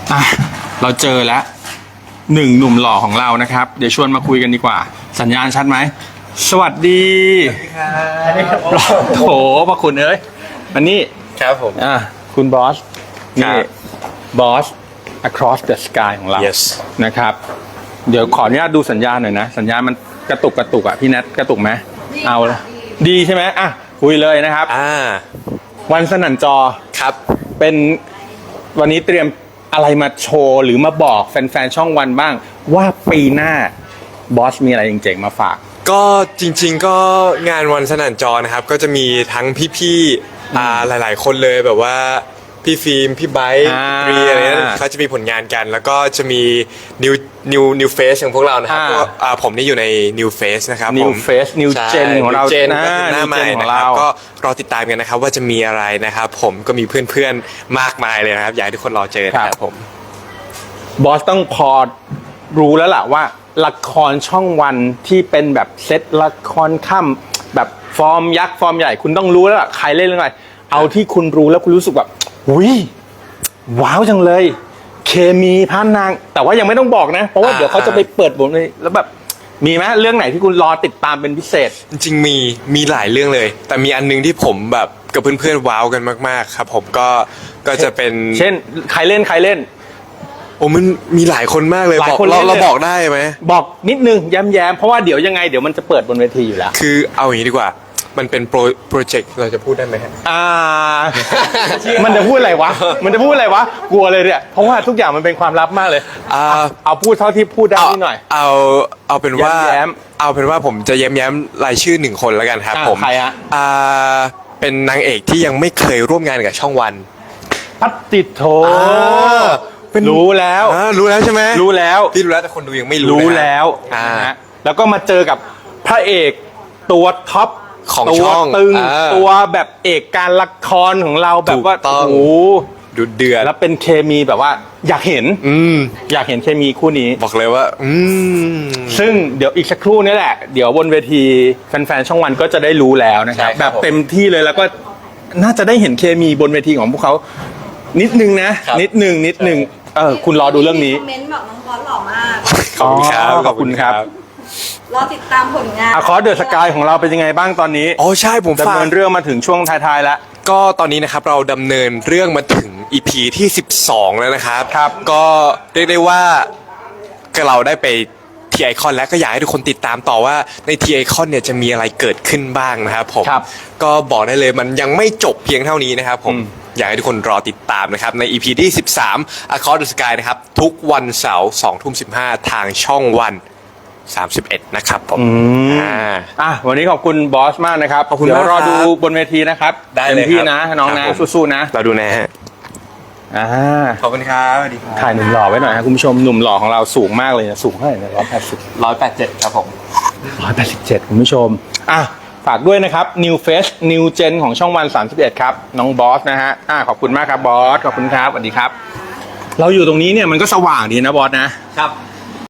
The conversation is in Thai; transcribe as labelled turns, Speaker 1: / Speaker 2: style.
Speaker 1: อ่ะเราเจอแล้วหนึ่งหนุ่มหล่อของเรานะครับเดี๋ยวชวนมาคุยกันดีกว่าสัญญาณชัดไหมสวัสดีโถพระคุณเอ้ยอันนี้
Speaker 2: ครับผม
Speaker 1: คุณบอสนี่บอส across the sky ของเรา
Speaker 2: yes
Speaker 1: นะครับเดี๋ยวขออนุญาตดูสัญญาณหน่อยนะสัญญาณมันกระตุกอ่ะพี่แนทกระตุกไหมเอาดีใช่ไหมอ่ะคุยเลยนะครับวันสนั่นจอ
Speaker 2: ครับ
Speaker 1: เป็นวันนี้เตรียมอะไรมาโชว์หรือมาบอกแฟนๆช่องวันบ้างว่าปีหน้าบอสมีอะไรเจ๋งๆมาฝาก
Speaker 2: ก็จริงๆก็งานวันสนั่นจอนะครับก็จะมีทั้งพี่ๆหลายๆคนเลยแบบว่าพี่ฟิล์มพี่ไบค์พี่รีอะไรนั้นเขาจะมีผลงานกันแล้วก็จะมี new face ของพวกเรานะครับผมนี่อยู่ใน new face นะครับ
Speaker 1: new face new gen ของเรา
Speaker 2: หน้าใหม่นะครับก็รอติดตามกันนะครับว่าจะมีอะไรนะครับผมก็มีเพื่อนๆมากมายเลยนะครับอยากให้ทุกคนรอเจอนะครับผม
Speaker 1: บอสต้องพอรู้แล้วล่ะว่าละครช่องวันที่เป็นแบบเซตละครค่ำแบบฟอร์มยักษ์ฟอร์มใหญ่คุณต้องรู้แล้วล่ะใครเล่นเรื่องอะไรเอาที่คุณรู้แล้วคุณรู้สึกแบบอุ้ยว้าวจังเลยเคมีพระนางแต่ว่ายังไม่ต้องบอกนะเพราะว่าเดี๋ยวเขาจะไปเปิดบทเลยแล้วแบบมีไหมเรื่องไหนที่คุณรอติดตามเป็นพิเศษ
Speaker 2: จริงๆมีหลายเรื่องเลยแต่มีอันนึงที่ผมแบบกับเพื่อนๆว้าวกันมากๆครับผมก็จะเป็น
Speaker 1: เช่นใครเล่น
Speaker 2: โอ้มันมีหลายคนมากเลยบอกเราบอกได้ไหม
Speaker 1: บอกนิดนึงแย้มๆเพราะว่าเดี๋ยวยังไงเดี๋ยวมันจะเปิดบนเวทีอยู่แล้ว
Speaker 2: คือเอาอย่างนี้ดีกว่ามันเป็นโปรเจกต์เราจะพูดได้ไหมฮะ
Speaker 1: มันจะพูดอะไรวะกลัวเลยเนี่ยเพราะว่าทุกอย่างมันเป็นความลับมากเลยเอาพูดเท่าที่พูดได้นิดหน่อย
Speaker 2: เอาเป็นว่าผมจะแย้มรายชื่อหนึ่งคนแล้วกันครับผม
Speaker 1: ใครฮะ
Speaker 2: เป็นนางเอกที่ยังไม่เคยร่วมงานกับช่องวัน
Speaker 1: พัตติโถรู้แล้ว
Speaker 2: ใช่ไหม
Speaker 1: รู้แล้ว
Speaker 2: พี่รู้แล้วแต่คนดูยังไม่
Speaker 1: รู้แล้วแล้วก็มาเจอกับพระเอกตัวท็อป
Speaker 2: ของช่อง
Speaker 1: ตึงตัวแบบเอกการละครของเราแบบว่าโอ้โห
Speaker 2: ดุเดือด
Speaker 1: แล้วเป็นเคมีแบบว่าอยากเห็นเคมีคู่นี้
Speaker 2: บอกเลยว่า
Speaker 1: ซึ่งเดี๋ยวอีกสักครู่นี้แหละเดี๋ยวบนเวทีแฟนๆช่องวันก็จะได้รู้แล้วนะครับแบบเต็มที่เลยแล้วก็น่าจะได้เห็นเคมีบนเวทีของพวกเขานิดนึงนะนิดนึงคุณรอดูเรื่องนี้
Speaker 3: คอมเมนต์บอกน้องบอสหล่อมาก
Speaker 2: ขอบคุณครับ
Speaker 3: รอติดตามผลงาน
Speaker 1: คอร์สเดอะสกายของเราเป็นยังไงบ้างตอนนี้
Speaker 2: ใช่ผม
Speaker 1: ดำเนินเรื่องมาถึงช่วงท้ายๆแล้ว
Speaker 2: ก็ตอนนี้นะครับเราดำเนินเรื่องมาถึง EP ที่12แล้วนะครับก็เรียกได้ว่าเราได้ไปทีไอคอนแล้วก็อยากให้ทุกคนติดตามต่อว่าในทีไอคอนเนี่ยจะมีอะไรเกิดขึ้นบ้างนะครับผมก็บอกได้เลยมันยังไม่จบเพียงเท่านี้นะครับผมอยากให้ทุกคนรอติดตามนะครับใน EP ที่13 Across the Sky นะครับทุกวันเสาร์ 20:15 ทางช่องวัน31นะครับผม
Speaker 1: วันนี้ขอบคุณบอสมากนะครับ
Speaker 2: ขอบคุณ
Speaker 1: มากรอดูบนเวทีนะครับ
Speaker 2: ได้เลย
Speaker 1: พี่นะน้องนะสู้ๆนะ
Speaker 2: เราดูแน่ขอบคุณครับสวัสดีครับ
Speaker 1: ถ่ายหนุ่มหล่อไว้หน่อยครับคุณผู้ชมหนุ่มหล่อของเราสูงมากเลยนะสูงเท่าไหร่นะ
Speaker 2: 187ครับผม
Speaker 1: 187คุณผู้ชมฝากด้วยนะครับ New Face New Gen ของช่องวัน31ครับน้องบอสนะฮะขอบคุณมากครับบอสขอบคุณครับสวัสดีครับเราอยู่ตรงนี้เนี่ยมันก็สว่างดีนะบอสนะครับ